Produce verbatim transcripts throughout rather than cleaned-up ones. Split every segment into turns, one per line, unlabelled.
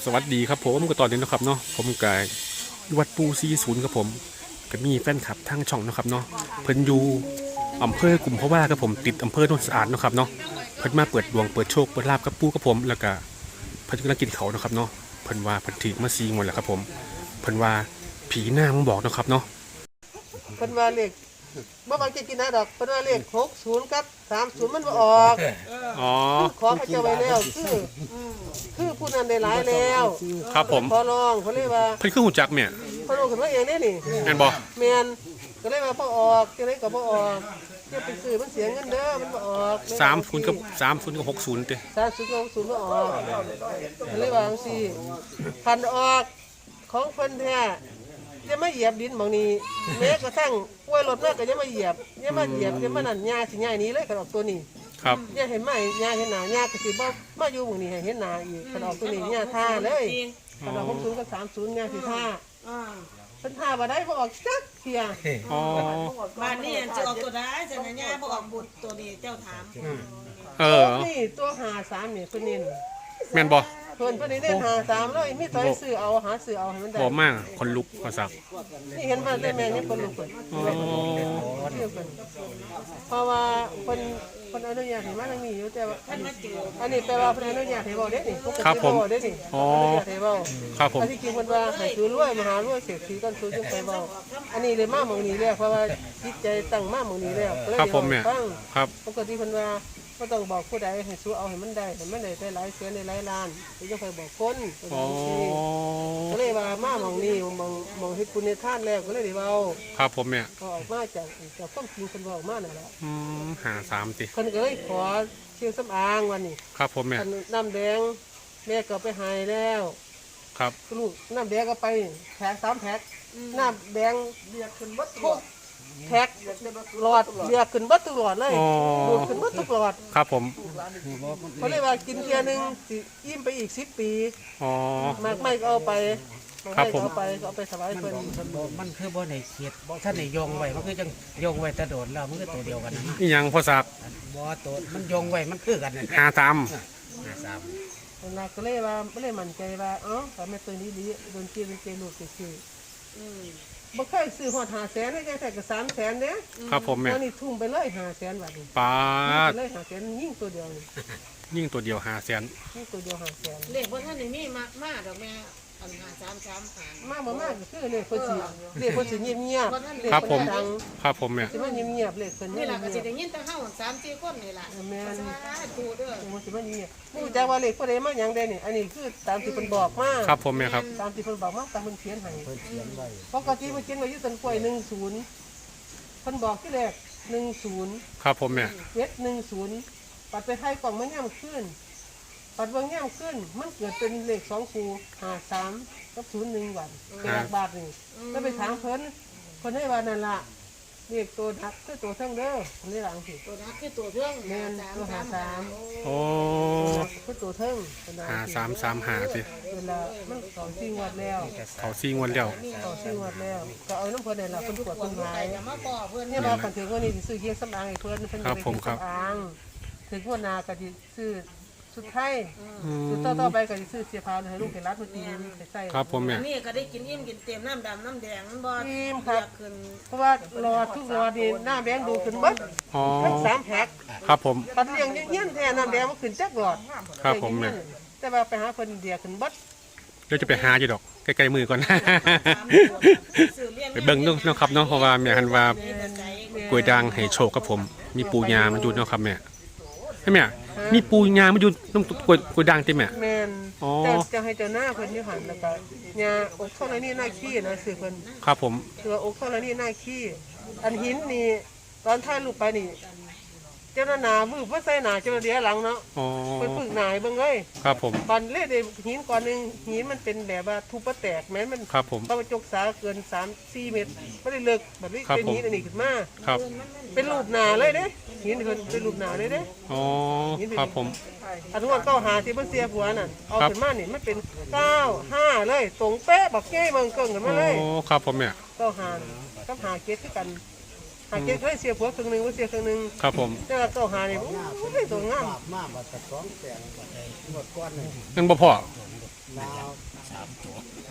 สวัสดีครับผมก็ตอนนี้นะครับเนาะผมกายวัดปูซีศูนย์ครับผมก็มีแฟนคลับทางช่องนะครับเนาะเพิ่นอยู่อำเภอกลุ่มเพราะว่าครับผมติดอำเภอโนนสะอาดนะครับเนาะเพิ่นมาเปิดดวงเปิดโชคเปิดลาบกับปูกับผมแล้วก็เพิ่นกำลังกินเขานะครับเนาะเพิ่นว่าเพิ่นถือมาซีงวดแล้วครับผมเพิ่นว่าผีหน้ามึงบอกนะครับเนาะ
เพิ่นว่าเลขบ่ว่าจะกินนะดอกเพิ่นว่าเลขหกสิบกับสามสิบมันบ่ออก
อ๋อ
ขอเขาเจ้าไว้แล้วคือคือผู้นั้นได้หลายแล้ว
ครับผม
ขอร้องเพิ่นเลยว่า
เพิ่นคือหูจักเนี่ย
เพิ่นลงขึ้นมาเองนี่นี่
แม่นบ่
แม่นก็เลยว่าบ่ออกจังได๋ก็บ่ออกจะไปซื้อมันเสียเงินเด้อมันบ่ออก
สามศูนย์กับสามศูนย์กับหกศูนย์เด้
สามสิบกับหกสิบบ่ออกก็เลยว่าจังซี่คันออกของเพิ่นแท้จะมาเหยียบดินหม่องนี้แม้กระทั่งกล้วยรถมาก็จะมาเหยียบอย่ามาเหยียบอย่ามานั่นหญ้าสิหญ้านี้เลยคันออกตัวนี้
ครับ
ย่าเห็นไหมย่าเห็นหนาย่าก็สิบ่มาอยู่หมู่นี้ให้เห็นหนาอีกขนมตัวนี้ย่าท่าเลยขนมหกศูนย์กับสามศูนย์ย่าสิท่าเพิ่นท่าบ่ได้บ่ออกจักเที่ย
อ๋อ
บ้านนี้จะออกตัวได้จะนะย่าบ่ออกบุตรตัวนี้เจ้าถาม
เออ
นี่ตัวหาสามนี่เพิ่นเน้น
แม่นบ่
เพิ่นเพิ่นนี่เน้นหาสามเลยมีตัวให้ซื้อเอาหาซื้อเอาให้มันได้
บ่มากคนลุกภาษา
นี่เห็นมาได้แม่นี่เพิ่นลูกเพิ่น
อ๋อ
เที่ยวเพิ่นเพราะว่าเพิ่นเพิ่นอนุญาตให้มาทางนี้อยู่แต่ว่า
ท่านมาเจอ
อันนี้แปลว่าเพิ่นอนุญาตให้เว้าเด้นี่ปกติ
ครับผม
เว้าเด้นี่
อ๋อ
อนุญาตให้เว้า
ครับผม
อันที่จริงมันว่าให้ซื้อรวยมหารวยเศรษฐีกันซื้อจึงไปเบาอันนี้เลยมาหมองนี้แล้วเพราะว่าจิตใจตั้งมาหมองนี้แล้วก็เลย
ครับผมเนี่ย
ฟัง
ครับ
ปกติเพิ่นว่าก็ต้องบอกผู้ใดให้สู้เอาให้มันได้ให้มันได้ได้หลายแสนได้หลายล้านถึงจะไปบอกคนเป็น
อ๋อ
จังซี่ก็เลยว่ามาหมองนี้หมองหมองเฮ็ดบุญในทานแล้วก็เลยได้เว้า
ครับผมเนี่ย
ก็ออกมาจากจากความจริงเพิ่นบอกมานั่นแหละ
อืมหาสามติ
เพิ่นก็เลยขอเชียงสำอางวันนี้
ครับผมเนี่ย
อันน้ำแดงแม่ก็ไปให้แล้ว
ครับ
ลูกน้ำแดงก็ไปแพ็คสามแพ็คน้ำแดงเรียกขึ้นเบัดทุกแพ็คหลอดเรียกขึ้นเบัดทุกหลอดเลย
อ๋อ
ดูดขึ้นเบัดทุกหลอด
ครับผม
เขาเรียกว่ากินเทียหนึงสิอิ่มไปอีกสิบปี
อ๋อ
มากไม่ก็เอาไป
ครับผม
เอาไปก็เอาไปสบายเพิ่น
มันคือบ่ในเขียดบ่ท่านในยงไว้มันคือจังยงไว้แตะโดดแล้วมันคือตัวเดียวกันนะ
นี่ยังพอสัก
บ่ตัวมันยงไว้มันคือกันนั่น
หาสาม
ห้าสาม
คนนักก็เลยว่าไม่ได้มั่นใจว่าเอ้าแต่แม่ตัวนี้ดีโดนเจียโดนเจียลูกไปซื้อบ่เคยซื้อหอดหาแสนได้ยังแต่ก็สามแสนเด้
ครับผมเนี่ย
ตอนนี้ทุ่มไปเลยหาแสนบาทนี่
ปา
ทุ่ม
ด
ไปเลยหาแสนยิ่งตัวเดียวนี่
ยิ่งตัวเดียวหาแสน
ยิ่งตัวเดียวหาแสน
เลขบ่ท่านนี่มีมากมากดอกแม่อันหาสามสามหาง
มากบ่มากก็คือเลขเพิ่นสิเลขเพิ่นสิเงียบๆเลข
ครับผม
เพิ่นดัง
ครับผมเนี่ย
สิมาเงียบๆเลขเพิ่น
นี่
เงีย
ล่ะก็สิ
บ
ได้ยินแต่เฮาสามสี่คนนี่ล่ะ
แม่น
สาธุเด้อ
มันสิมาเงียบบ่รู้จักว่าเลขผู้ใดมาหยังได้นี่อันนี้คือตามที่เพิ่นบอกมา
ครับผมเนี่ยครับ
ตามที่เพิ่นบอกมาตามเพิ่นเขียนให้
เพิ่นเขียนไว้
ปกติเพิ่นเขียนไว้อยู่ต้นกล้วยหนึ่งศูนย์เพิ่นบอกที่แรกหนึ่งศูนย์
ครับผมเนี่ย
เจ็ดหนึ่งศูนย์ปัดไปให้กล่องมันย่ำขึ้นปัดเบางย่ำขึ้นมันเกิดเป็นเลขสองคูหาสามกับศูนย์หนึ่งวันเป็นหลักบาทนี่แล้วไปถามเพิ่นเพิ่นให้ว่านั่นล่ะเลขตัวดักคือตัวเทั้งเด้อเพิ่นได้หลังสิ
ตัวนั้นคือตัวเรื่อง
แม่นตัวหาสาม
โอ้
คือตัวเทิงเพิ่นว่
หาสามสามหาสิ
เวลามันสองสี่งวดแล้ว
เขาซีงวันแล้ว
สองสี่งวดแล้วก็เอาน้ำเพิ่นนี่ล่ะเพิ่นตรวจเพิ่นหาย
อย่ามาก่อเพิ่น
เนี่ยมาคันถึงวันนี้สิซื้อเคียงสำอางให้เพิ่นเพิ่นจะไปเคียงสำอางถึงวันนาก็สิซื้อสุดไทย
อืม
สุดต่อต่อไปก็สิซื้อเสียผ้าให้ลูกให้รัดมาตีไปใส่
ครับผมเนี่ย
อันนี้ก็ได้กินอิ่มกินเต็มน้ำดำน้ำแดงมันบ่
ทีมครับ
ขึ้น
เพราะว่ารอทุกรอนี่หน้าแบงดูขึ้นเบิด
อ๋อ
ทั้งสามแพ็ค
ครับผม
ปัดเลี้ยงเงี้ยนแท้น้ำแดงมันขึ้นจักหลอด
ครับผมเนี่ย
แต่ว่าไปหาเพิ่นเดียขึ้นเบิด
เดี๋ยวจะไปหาอยู่ดอกใกล้ๆมือก่อน
ซื้อเลี้ยง
ไปเบิ่งเนาะครับเนาะเพราะว่าแม่คันว่ากล้วยด่างให้โชคกับผม มีปูยามันอยู่เนาะครับแม่ใช่ไหมอะมีปูยามันอยู่น้ำกล้วยกล้วยด่างติแม่
แม่น
อ๋อ
แต่จะให้เจ้าหน้าเพิ่นอยู่หั่นแล้วก็ยาอกเท่านี้หน้าขี้นะซื้อเพิ่น
ครับผม
คือว่าอกเท่านี้หน้าขี้อันหินนี่ตอนถ่ายรูปไปนี่เจ้าหน้าหนามือเพื่อใส่หนาเจ้าหน้าเดียหลังเนาะ
อ๋อ
เพิ่นฝึกหนาให้เบิ่งเลย
ครับผม
ตอนเล่นหินก่อนหนึงหินมันเป็นแบบว่าทุบปะแตกแม้มัน
ครับผม
พระจกษาเกินสามสี่เมตรบ่ได้เลิกแบบนี้
ครับ
เป็น
ผม
หินอันนี้ขึ้นมา
ครับ
เป็นรูปหนาเลยเด้หินเพิ่นเป็นรูปหนาเลยเด้
อ๋อครับผม
อันทุกคนเก้าหาที่เพิ่นเสียผัวน่ะเอา
ครับ
ขึ้นมานี่มันเป็นเก้าห้าเลยตรงเป๊ะบักแก้เบิ่งเกิ่งกัน
อ๋
มาเลย
อครับผมเนี่ย
เก้าหากับหาเกตคือกันหาเกตเคยเสียผัวครึ่งหนึงบ่เสียครึ่งหนึง
ครับผม
แต่ว่าเก้าหานี่โอ้ยตัวงาม
มาบัดตะสองแสนบัดไอ้งวดก้อนนี่
นั่นบ่พอ
ลาว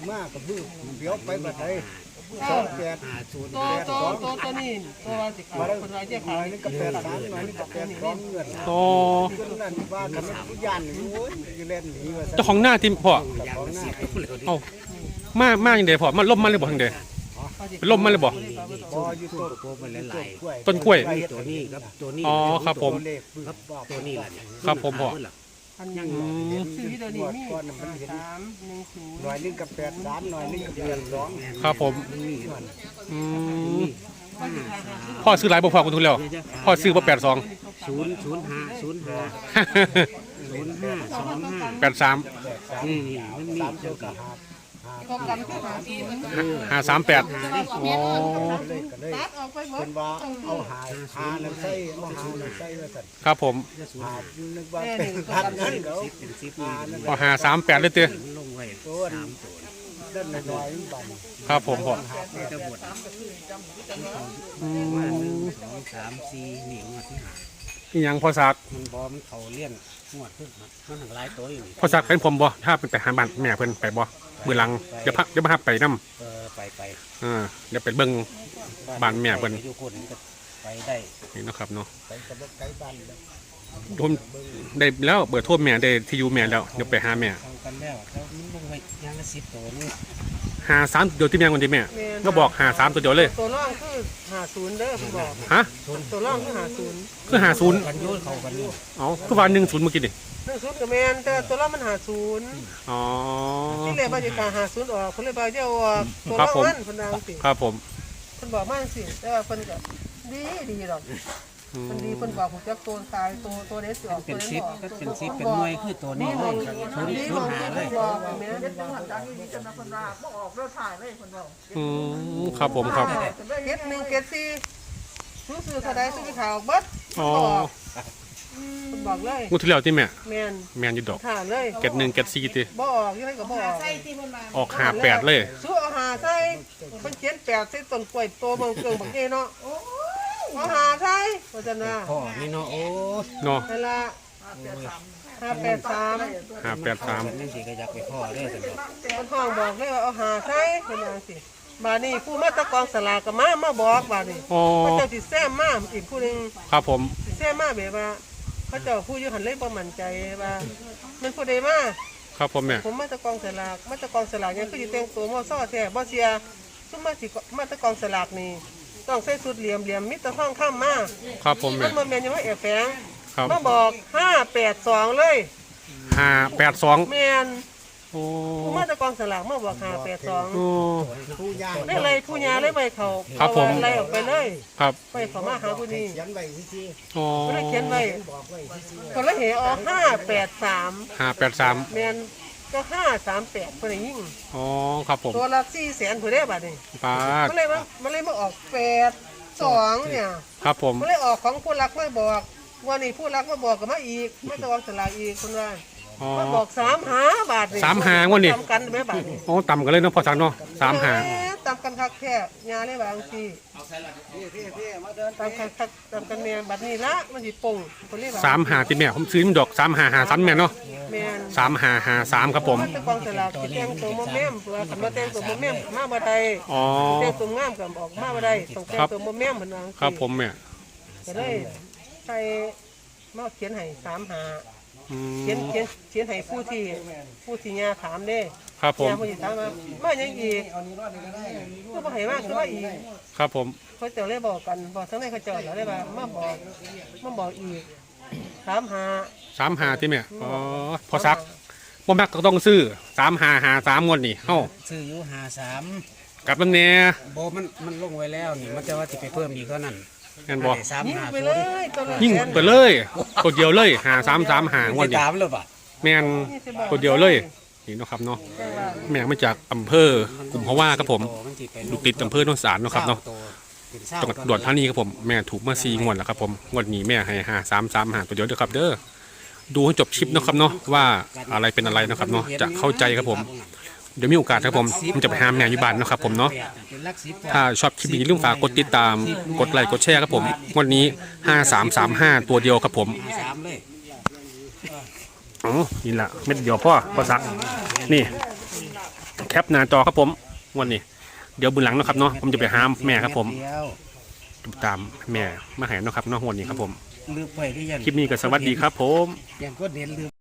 มากกับมือเดี๋ยวไปบัดใดสองแปด
หาศูนย์
ตัวตัวตัวตัวนี้ตัวว่าสิเขาคนว่าจะ
หน่
ขา
อย ยนึงกับแปดสามหน่อยนึงกับแปดสองเงิน
โอ้
เงินนั่นว่าทำให้ผู้ยันโอ้ยอยู่เล่นหนีว่า
เจ้าของหน้าที่พ่อ
ของหน้า
เอ้ามามาอย่างเดพ่อมันล่มมาเลยบ่ทางเดเป็นล่มมาเลยบ่
บออยู่ต้น
ตัวมันหลาย
กล้วย
ต้นกล้วย
ๆตัวนี้ครับตัวนี้
อ๋อครับผม
เลขครับบอก
ตัวนี้แหละเนี่ย
ครับผมพ่อ
อันนี้ซื้อที่เดี๋ยวนี้มีสามหนึ่งศูนย์
หน่อยนึงกับแปดสามหน่อยนึงกับแปดสอง
ครับผมอืมพ่อซื้อหลายบ่พ่อคุณทุนแล้วพ่อซื้อบ่แปดสอง
ศูนย์ศูนย์ห้าศูนย์ห้าศูนย์ห้าสองห้า
แปดสาม
นี่นี่มันมี
สามเจ้ากับหา
ก็กันก็หาศูนย์
ห้าสามแปดอ๋อ
เลขกันเลย
ตัดออกไปหม
เป็
ด
นว่าเอาหาหาน้ำใส่เอาหาน้ำใส่ว่าสั่น
ครับผม
หานึกว่าเป็นพันนั้นเขา
เป็นสิบ
หานั่น
พอหาสามแปดเลยเตี้ย
มันลงไว้
ตัว
สามตัว
ด้านน้อยๆบัน
ครับผมพ่อ
นี่จะบด
อื
ว่าหนึ่ง
ม
สองสามสี่หนิงวดที่หา
อีหยังพ่อซัก
มันบอมันเขาเลี่ยนงวดขึ้นมามันถึงหลายตัวอยู่นี่
พ่อซักเป็นผมบ่ถ้าเป็นไปหาบ้านแม่เพิ่นไปบ่มือหลังเดี๋ยวพักเดี๋ยวมาพักไปนำ
เออไปไป
อ่าเดี๋ยวไปเบิ่ง บ้านแม่เพิ่น
อยู่คนก็ไปได้
นี่เนาะครับเนาะ
ไปกับไก่บ้านแล้ว
โดนได้แล้วเบอร์โทรแม่ได้ที่อยู่แม่แล้วเดี๋ยวไปหาแม่
ทำกันแล้วแล้วมันลงไปยางละสิบตัวนี่
หาสามตัวเดียวที่แม่คนที่แม่ก็บอกหาสามตัวเดียวเลย
ตัวร่องคือหาศูนย์เด้อผมบอก
ฮะ
ตัวร่องคือหาศูนย์
คือหาศูนย์
กันโยนเขากันอยู่
เอาคือว่าหนึ่งศูนย์เมื่อกี้นี่
หนึ่งศูนย์กับแมนแต่ตัวร่องมันหาศูนย์
อ๋อ
ที่เรียกว่าจะการหาศูนย์ออกคนเลยบอกจะเอาออกตัว
ครับ
ร่อง
ผม
มันคนดังสิ
ครับผม
คนบอกมันสิแต่ว่าคนก็ดีดีหรอก
อืม
คนดีคนบอกผมจะตัวตายตัวตัวเด็ดสิออก
เป็น
ตัว
สิบ
ออก
ก็เป็นสิบเป็นหน่วยคือตัวนี้เลยศูนย์ศูนย์หาเลย
บอกแม่
อืมครับผมครับ
เก็ดหนึ่งเก็ดสี่ซื้อซื้อเท่าใดซื้อไปขายออกเบิด
อ๋อ
คนบอกเลย
งูที่แล้วที่แม่
แมน
แม่นอยู่ดอก
ถามเลย
เก็ดหนึ่งเก็ดสี่ติ
บ่ออกยังไงก็บ่ออก
ใส่ที่มันมา
ออกหาแปดเลย
ซื้อเอาหาใส่เป็นเขียนแปดใส่ต้นกล้วยโตเบิ่งเกิงบักเอเนาะเอาหาใส่ว่าจังนะ
พ่อนี่เนาะโอ้
เนาะ
นั่นละห้าแปดสาม
หาแปดสาม
นั่นสิก็อยากไปพ่อได้สิ
มันห้องบอกเลยว่าเอาหาใส่เป็นจังสิบาดนี้ผู้มาตะกองสลากก็มามาบอกบาดนี้
อ๋อ
พระเจ้าสิแซมมาอีกผู้หนึง
ครับผม
สิแซมมาแบบว่าพระเจ้าผู้อยู่หันเลยบ่มั่นใจว่ามันผู้ใดมา
ครับผมแม่
ผมมาตะกองสลากมาตะกองสลากยังคือสิแต่งตัวมอซ้อแท้บ่เสียซุมมาสิมาตะกองสลากนี่ต้องใส่ชุดเหลี่ยมเหลี่ยมมิตรท่องข้ามมา
ครับผม
มั
แม่
นบ่แม่นยังว่าแอบแฝง
ครับ
มาบอกห้าแปดสองเลย
หาแปดสอง
แม่น
โอ้
ผู้มาตะกองสลากมาบอกห้าแปดสอง
โอ้
ผู้ย่าง
ได้เลยผู้ยาเลยไปเขา
ครับผม
ไล่ออกไปเลย
ครับ
ไปเขามาหาผู้นี้
เขียนไว้ที่
อ๋อ
ก็เลยเขียนไว้
บอกไว้ที่
ก็เลยเหออกห้าแปดสาม
หาแปดสาม
แม่นก็ห้าสามแปดคนได้ยิ่ง
อ๋อครับผม
ตัวละสี่แสนผู้ได้บัดนี้
ปาด
มันเลยมามันเลยมาออกแปดสองเนี่ย
ครับผม
มันเลยออกของผู้รักไม่บอกวันนี้ผู้รักมาบอกกับมาอีกมาตะวันสลากอีกคนว่า
อ๋อ
มาบอกสามหาบาทนี่
สามหางวดนี่
ตำกันไหมบาทนี่
โอ้ต่ำกันเลยเนาะพอสักเนาะสามหา
เอ๊ะตำกันคักแค่ยาเลยบางที
พี่พี่พี่มาเดิน
ตำกันคักตำกันแม่บัดนี้ละมันสิปงคนเรียกว่า
สามหาที่แม่ผมซื้อมันดอกสามหาหาสามแม่เนาะ
แม่น
สามหาหาสามครับผม
มันตะกองสลากสิแต่งตัวโมเมมเพื่อคันมาแต่งตัวโมเมมมาบ่ได้
อ๋อ
แต่งตัวงามกับออกมาบ่ได้ต้องแต่งตัวโมเมมเพิ่นว่า
ครับผมแม่
ก็เลยใส่มาเขียนให้สามหา
อืม
เขียนเขียนเขียนให้ผู้ที่ผู้ที่ยาถามเด้
ครับผม
ยาผู้ที่ถามว่ามาหยังอีกก็บ่ให้มาคือว่าอีก
ครับผม
เขาเจ้าเลยบอกกันบอกทั้งในเขาเจ้าเลยว่ามาบอกมาบอกอีกถามหา
สามหาที่แม่อ๋อพอสักบ่มักก็ต้องซื้อสามหาหาสามงวดนี่เฮ้า
ซื้ออยู่หาสาม
กลับมันแน่
โบมันมันลงไว้แล้วนี่มันจะว่าจะไปเพิ่มอีกเท่านั้น
แม่นบ่
สาม
ยิง
หา
ไป
ศู
เล
นย์
ยตัวละ
ยิ่ง
แสน
ไปเลยตัวเดียวเลยหาสามสามหางวด
จะ
นี่
ตามเลยป่ะ
แม่นตัวเดียวเลยนี่เนาะครับเนาะแม่มาจากอำเภอกุมภาวะครับผมอยู่ติดอำเภอโนนสารเนาะครับเนาะจังหวัดอุดรธานีครับผมแม่ถูกมาสี่งวดแล้วครับผมงวดนี้แม่ให้หาสามสามหาตัวเดียวเด้อครับเด้อดูให้จบคลิปนะครับเนาะว่าอะไรเป็นอะไรนะครับเนาะจะเข้าใจครับผมเดี๋ยวมีโอกาสครับผมผมจะไปหาแม่อยู่บ้านเนาะครับผมเนาะถ้าชอบคลิปนี้อย่าลืมฝากกดติดตามกดไลค์กดแชร์ครับผมงวดนี้ห้าสามสามห้าตัวเดียวครับผม
สามเลย
อ๋อนี่แหละเม็ดเดียวพ่อพ่อสักนี่แคปหน้าจอครับผมวันนี้เดี๋ยวบุญหลังเนาะครับเนาะผมจะไปหาแม่ครับผม
เดียว
ตามแม่มาหาเนาะครับเนาะวันนี้ครับผม
ลืมไปที่ยัง
คลิปนี้ก็สวัสดีครับผม
ยังก็เน้นลืม